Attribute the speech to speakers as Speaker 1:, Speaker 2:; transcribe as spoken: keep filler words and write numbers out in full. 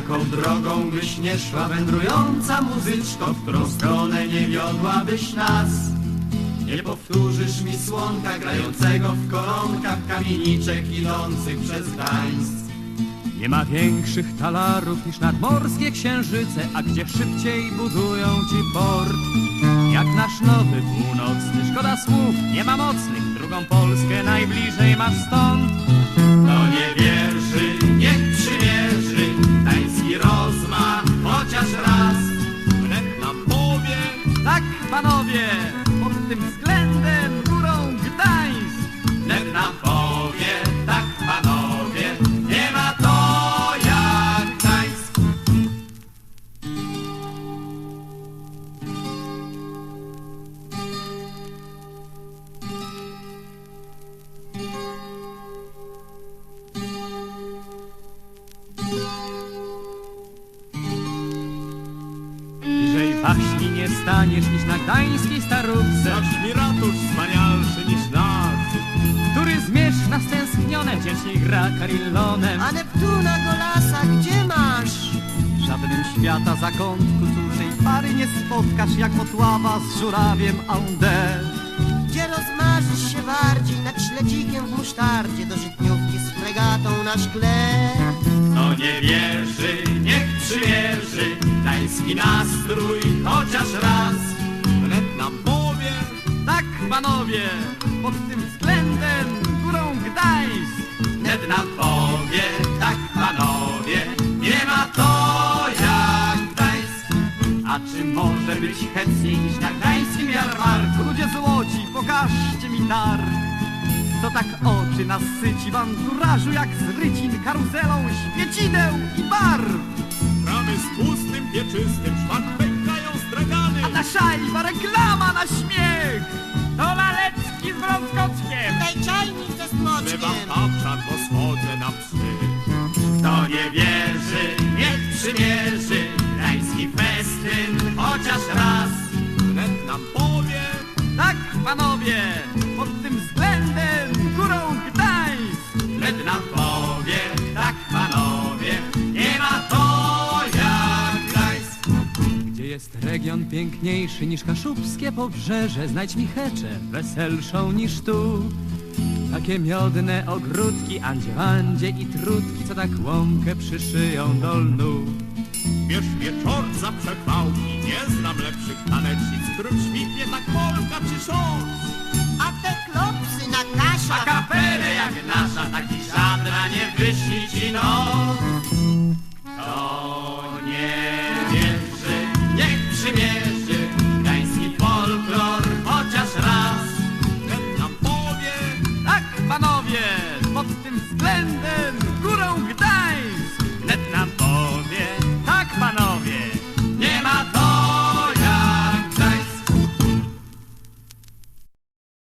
Speaker 1: Jaką drogą byś nie szła, wędrująca muzyczko, w którą stronę nie wiodłabyś nas? Nie powtórzysz mi słonka grającego w koronkach kamieniczek idących przez Gdańsk.
Speaker 2: Nie ma większych talarów niż nadmorskie księżyce, a gdzie szybciej budują ci port. Jak nasz nowy północny, szkoda słów, nie ma mocnych, drugą Polskę najbliżej masz stąd.
Speaker 1: Kto nie wierzy, niech przymierzy gdański rozmach chociaż raz.
Speaker 2: Wnet nam powie, tak panowie, pod tym względem górą Gdańsk.
Speaker 1: Wnet nam powie, tak panowie, nie ma to jak Gdańsk.
Speaker 2: Bliżej waśni nie staniesz niż na gdańskiej starówce,
Speaker 1: Zacz mi ratusz wspanialszy niż nas,
Speaker 2: który zmierz na stęsknione wdzięcznie gra karillonem.
Speaker 3: A Neptuna Golasa gdzie masz?
Speaker 2: W żadnym świata zakątku cóżej pary nie spotkasz jak Motława z żurawiem Aunde.
Speaker 3: Gdzie rozmarzysz się bardziej nad śledzikiem w musztardzie do żytniówki z fregatą na szkle?
Speaker 1: kto nie wierzy, niech przymierzy gdański nastrój chociaż raz.
Speaker 2: Wnet nam powie, tak panowie, pod tym względem górą Gdańsk.
Speaker 1: Wnet nam powie, tak panowie, nie ma to jak Gdańsk.
Speaker 2: A czy może być chętniej niż na gdańskim jarmarku? Ludzie złoci, pokażcie mi targ. Co tak oczy nasyci w anturażu jak z rycin, karuzelą, świecideł i barw.
Speaker 1: Ramy z tłustym, pieczystym, szmak pękają stragany.
Speaker 2: A ta szajba reklama na śmiech. To Lalecki z Wrąckockiem.
Speaker 3: Daj czajnik ze
Speaker 1: Bywam
Speaker 3: smoczkiem.
Speaker 1: kapczan, bo schodzę na psy. Kto nie wierzy, niech przymierzy gdański festyn chociaż raz.
Speaker 2: Wnet nam powie, tak panowie, pod tym względem górą Gdańsk.
Speaker 1: Wnet nam powie, tak panowie, nie ma to jak Gdańsk.
Speaker 2: Gdzie jest region piękniejszy niż kaszubskie pobrzeże? Znajdź mi Heczę, weselszą niż tu. Takie miodne ogródki, andzie, andzie i trutki, co tak łąkę przyszyją do lnu.
Speaker 1: Bierz mnie czort za przechwałki, nie znam lepszych tanecznic, którym świtnie tak Polka czy szos.
Speaker 3: A te klopsy na kasia.
Speaker 1: A kapelę jak nasza, taki żadna nie wyśni ci nos. Kto nie wierzy, niech przymierzy gdański folklor chociaż raz.
Speaker 2: Wnet nam powie, tak panowie, pod tym względem